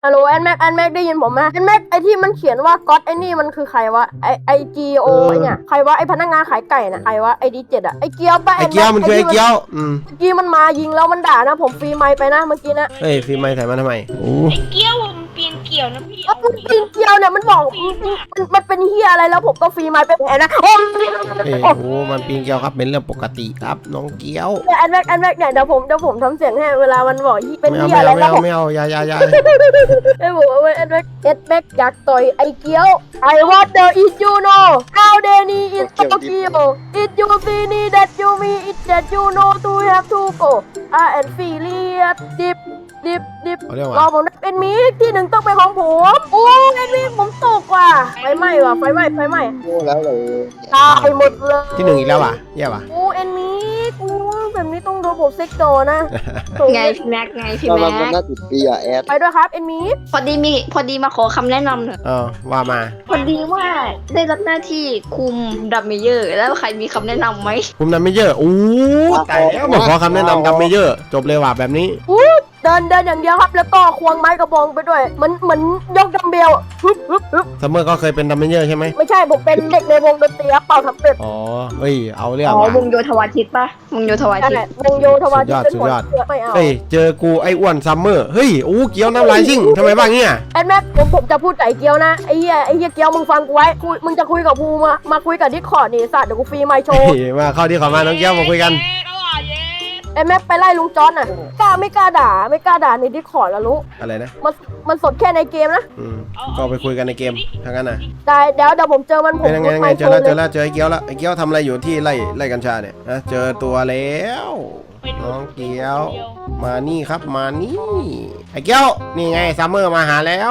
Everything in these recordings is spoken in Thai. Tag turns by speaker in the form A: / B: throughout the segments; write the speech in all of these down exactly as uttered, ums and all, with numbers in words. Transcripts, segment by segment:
A: ฮัลโหลแอนแม็กแอนแม็กได้ยินผมไหมแอนแม็กไอที่มันเขียนว่าก๊อตไอนี่มันคือใครวะไอไอจีโอไอเนี่ยใครวะไอพนักงานขายไก่น่ะใครวะไอดีเจ็ดอะไอเกียวปะ
B: ไอ้เกี้ยวมันคือไอ้เกี้ยวอืม
A: เมื่อกี้มันมายิงแล้วมันด่านะผมฟรีไมค์ไปนะเมื่อกี้นะ
B: เฮ้ยฟิล์มไม่ถ่ายมาทำไมโอ้
C: ไอ้เกี้ยวมันเปลี่ยนเกี่ยวนะพี่
A: เอ้ามันปีนเกียวเนี่ยมันบอกมันมันเป็นเฮียอะไรแล้วผมก็ฟรีไมค์ไปแผลนะโอ้
B: เฮ้ยโอ้มันปีนเกลียวครับเป็นเรื่องปกติครับน้องเกี้ยว
A: แอนแม็กแอนแม็กเนี่ยเดี๋ยวผมเดี๋ยวผมทำเสียงให้เวลามันบอกเป็น
B: ไม่เอา
A: เฮีย
B: ไม่
A: อะไร
B: เอาไม่
A: แล้วผม
B: เอาไม่เอาอย่าอย่าอย่า
A: ไอ้บอกว่าแอนแม็กแอนแม็กอยากต่อยไอเกียว I wonder if you know how they need in Tokyo if you see me that you me it that you know to have to go I and feel it deepดิบดิบ
B: เอาเรื่อง
A: รอ
B: ว่ะ
A: ผมนะเป็นมิกที่หนึ่งต้องเป็นของผมโอ้เป็นมิกผมตกว่ะไฟไหม้ว่ะไฟไหม้ไฟไหม้
D: โง่แล้วเลย
A: ตายหมดเลย
B: ที่หนึ่งอีกแล้วว่ะแย่ว่ะ
A: โอ้เอ็นมิกโอ้แบบนี้ต้องโดนผมเซ็กโดนะโถ
E: ไงพี่แม็กไงพี่
D: เรา
E: แม็
D: มัน
E: ก
D: น่าติดปีอะแอด
A: ไปด้วยครับเอ็นมิก
E: พอดีมีพอดีมาขอคำแนะนำหน่อย
B: เออว่ามา
E: พอดีว่าได้รับหน้าที่คุมดัมเมเยอร์ แล้วใครมีคำแนะนำไหม
B: คุมนำไม่เยอะอู้ตายแล้วมาขอคำแนะนำนำไม่เยอะจบเลยว่ะแบบนี้
A: อู้เดินเดินอย่างเดียวครับแล้วก็ควงไม้กระบองไปด้วยเหมือนเหมือนยกดัมเบลฮึบฮึบฮึบ
B: ซัมเมอร์ก็เคยเป็นดัมเมเยอร์ใช่ไหม
A: ไม่ใช่ผมเป็นเด็กในวงดนตรีครับเป่าทำเป็ด
B: อ๋อเฮ้ยเอาเรื่อง
E: อ๋อ
B: ว่ะ
E: วงโยธวาทิตปะวงโยธวา
A: นั่น
E: ทิต
A: แหละวงโยธวาทิตเป็น
B: สุ
A: หม
B: ด
A: ด
B: ยอด
A: ไม่เอา
B: เฮ้ยเจอกูไอ้อ้วนซัมเมอร์เฮ้ยอู้เกี้ยวน้ำลายชิ่งทำไมบ้างเนี่ย
A: แอนแม็กผมผมจะพูดไก่เกียวนะไอ้เหี้ยไอ้เหี้ยเกียวมึงฟังกูไว้คุยมึงจะคุยกับกูมามาคุยกับดิสคอร์ดนี่สัตว์เดี๋ยวกูฟรีไมค์โช
B: เฮ้
A: ว์
B: ยมาเข้าที่ขอมาน้องเกี้ยวมาคุยกัน
C: เย้ก็ว่าเย้
A: ไอ้แม็กไปไล่ลุงจอนน่ะกล้าไม่กล้าด่าไม่กล้าด่าในดิสคอร์ดแล้วรู้
B: อะไรนะ
A: มันมันสดแค่ในเกมนะ
B: อืมก็ไปคุยกันในเกมทางนั้นนะ
A: ได้เดี๋ยวเดี๋ยวผมเจอมันผม
B: เป็นยังไงยัง
A: ไม
B: ไง
A: ค์
B: เจ
A: โช
B: อแล้ว
A: ว์
B: เจ
A: เล
B: อย แล้วเจอไอ้เกี้ยวแล้วไอ้เกี้ยวทำอะไรอยู่ที่ไล่ไล่กัญชาเนี่ยนะเจอตัวแล้วน้องเกี้ยวมานี่ครับมานี่ไอ้เกี้ยวนี่ไงซัมเมอร์มาหาแล้ว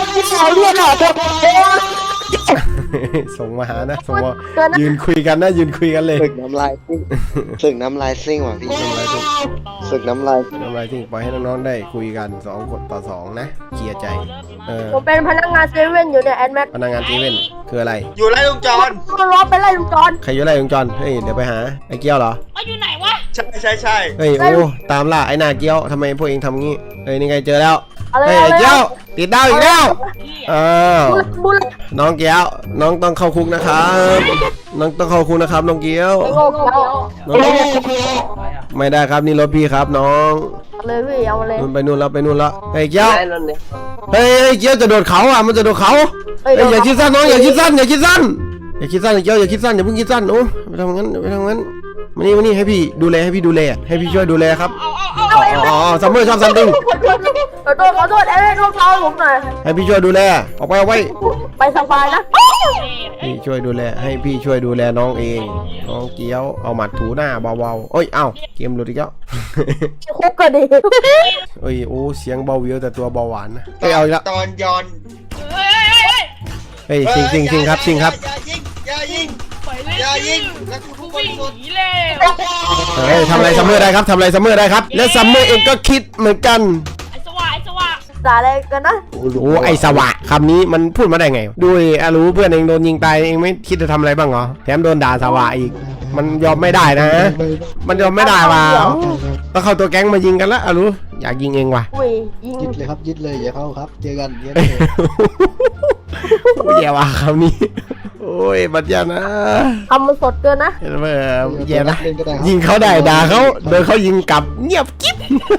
B: ส่งมาหานะส่งมา
A: เกินนะ
B: ยืนคุยกันนะยืนคุยกันเลย
D: ศึกน้ำลายซิ่งศึกน้ำลายซิ่งว่ะพี่
B: น้ำลายทิ้ง
D: ศึกน้ำลาย
B: น้ำลายทิ้งปล่อยให้น้องๆได้คุยกันสองคนต่อสองนะเคลียร์ใจเออ
A: ผมเป็นพนักงานเซเว่นอยู่เนี่ยแอนแม็ก
B: พนักงานเซเว่นคืออะไร
F: อยู่ไล่ลุงจอน
A: มันร้องไปไล่ลุงจอน
B: ใครอยู่ไรวงจรเฮ้ยเดี๋ยวไปหาไอ้เกี้ยวเหรอ
C: ว่าอยู่ไหนวะ
F: ใช่ใช่ใช่
B: เฮ้ยโอ้ตามล่าไอ้หน้าเกี้ยวทำไมพวกเองทำงี้เฮ้ยนี่ไงเจอแล้ว
A: อะไร
B: เฮ้ย
A: อะ
B: ไอ้
A: ไร
B: เกี้ยวติดดาวอีกแล้ว
C: พี่
B: อ้าว
A: บุล
B: น้องเกี้ยวน้องต้องเข้าคุกนะครับน้องต้องเข้าคุกนะครับน้องเกี้ยว
A: ไอ้โง่เกียว
B: น้องไม่ได้ครับนี่รถพี่ครับน้อง
A: เอาเลยพี่เอามาเลย
B: นู่นไปนู่นแล้วไปนู่นแล้วเฮ้ยเกี้ยวเฮ้ยไอ้เกี้ยวจะโดดเขาอ่ะมันจะโดดเขา
A: เอ้ย
B: เฮ้ยอย่าคิดสั้นน้องอย่าคิดสั้นอย่าคิดสั้นอย่าคิดสั้นไอ้เกี้ยวอย่าคิดสั้นอย่าเพิ่งคิดสั้นโอ้ไปทำงั้นไปทำงั้นมานี่มานี่ให้พี่ดูแลให้พี่ดูแลให้พี่ช่วยดูแลครับ
C: เอาเอาเอา
B: อ๋ออ๋อซัมเมอร์ชอบซัมติง
A: ขอโทษขอโทษแอนแม็กลูกเท้าผมหน่อย
B: ให้พี่ช่วยดูแลออกไปเอาไว้
A: ไปสบายนะ
B: พี่ช่วยดูแลให้พี่ช่วยดูแลน้องเองน้องเกี้ยวเอาหมัดถูหน้าเบาๆเอ้ยเอ้าเกมหลุดอีกแล้ว
A: คุกก็ดี
B: เอ้ยโอ้เสียงเบาวิวแต่ตัวเบาหวานนะเอ้ยเอาอีกแล้ว
F: ตอนย้อน
C: เฮ้ยเฮ้ยเฮ้ย
B: เฮ้ยซิงซิงซิงครับซิงครับ
F: อย่ายิงอย่ายิงอย่ายิงแล้วกูทุกคน
C: วิ่ง
F: หมด
C: หนีเลย
B: เฮ้ยทำอะไรซัมเมอร์ได้ครับทำอะไรซัมเมอร์ได้ครับและซัมเมอร์เองก็คิดเหมือนกัน
C: ไอ้สว่าไอ้สว่า
A: ด่าอะไรกันนะ
B: โอ้ไอสวะคำนี้มันพูดมาได้ไงดูดิอ่ะรู้เพื่อนเองโดนยิงตายเองไม่คิดจะทำอะไรบ้างเหรอแถมโดนด่าสวะอีกมันยอมไม่ได้นะ มันยอมไม่ได้ว่ะต้องเข้าตัวแก๊งมายิงกันละอ่ะรู้อยากยิงเองว่ะ
A: อุ้ยยิง
D: ยึดเลยครับยึดเลยอย่าเข้าครับเจอกันเจอ
B: เอ้ยโอ้ยแย่ว่ะคำนี้โอ้ยบัดยานะ
A: ทำมันสดเกินนะ
B: เห็นไหมแย่นะ
D: เล่นก็ได้ครับ
B: ยิงเขาได้ด่าเขาโดนเขายิงกลับเงียบกิ๊บ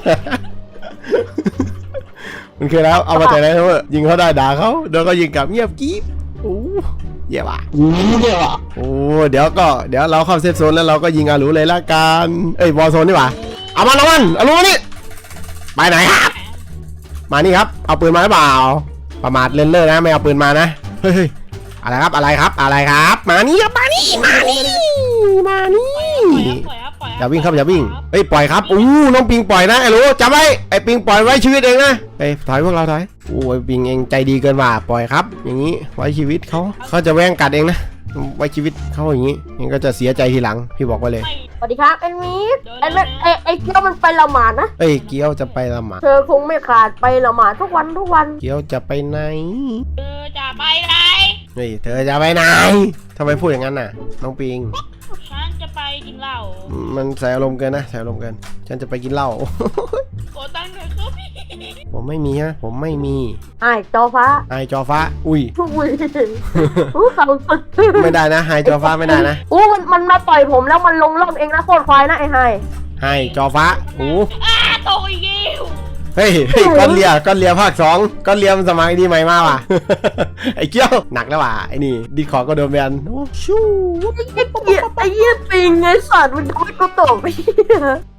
B: มันคือแล้วเอามาแต่ไหนเถอะยิงเขาได้ด่าเขาโดนเขายิงกลับเงียบกิ๊บโอ้แย่ว่ะ
D: อู้เนี่ยว่ะ
B: โอ้เดี๋ยวก็เดี๋ยวเราเข้าเซฟโซนแล้วเราก็ยิงอารูเลยละกันเอ้ยวอลโซนนี่หว่าเอามาเอามันอารูนี่ไปไหนครับมานี่ครับเอาปืนมาหรือเปล่าประมาทเล่นเล่นนะไม่เอาปืนมานะเฮ้ยอะไรครับอะไรครับอะไรครับมานี่ครับมานี่มานี่มานี่
C: ปล่อยครับปล่อย
B: อย่าวิ่งครับอย่าวิ่งเอ้ยปล่อยครับอู้น้องปิงปล่อยนะไอ้รู้จำไว้ไอ้ปิงปล่อยไว้ชีวิตเองนะเอ้ยถอยพวกเราถอยโอ้ยปิงเองใจดีเกินว่าปล่อยครับ อย่างนี้ไว้ชีวิตเขาเขาจะแว่งกัดเองนะไว้ชีวิตเขาอย่างนี้เองก็จะเสียใจทีหลังพี่บอกไว้เลย
A: สวัสดีครับแอนมิกแอนแม็กไอไอเกียวมันไปละหมาดนะ
B: เอ้ยเกี้ยวจะไปละหมาด
A: เธอคงไม่ขาดไปละหมาดทุกวันทุกวัน
B: เกี้ยวจะไปไหน
C: เออจะไปไหน
B: เฮ้ยเธอจะไปไหนทำไมพูดอย่างนั้นน่ะน้องปิง
C: ฉันจะไปกินเหล้า
B: มันใส่อารมณ์เกินนะใส่อารมณ์เกินฉันจะไปกินเหล้า
C: โกตังค์เถอะครับพี่
B: ผมไม่มีฮะผมไม่มี
A: ไอ้จอฟ้า
B: ไฮจอฟ้าอุ้ย
A: อุ้ยอู้เขาสุด
B: ไม่ได้นะไฮจอฟ้าไม่ได้นะ
A: อู้มันมันมาต่อยผมแล้วมันลงล่องเองนะโคตรควายนะไอ้ไฮ
B: ไฮจอฟ้าโอ้
C: อ้าโตอีกแล้ว
B: เฮ้ยเฮ้ยก้อนเลียก้อนเลียภาคสองก้อนเลียมันสมัยดีใหม่มากว่ะ ไอ้เกี้ยวหนักแล้วว่ะไอ้นี่ดีขอก็โดนแบนโอ้ชู
A: ไอ้เหี้ยไอ้เหี้ยปิงไอ้สัตว์มันทำให้กูตกไป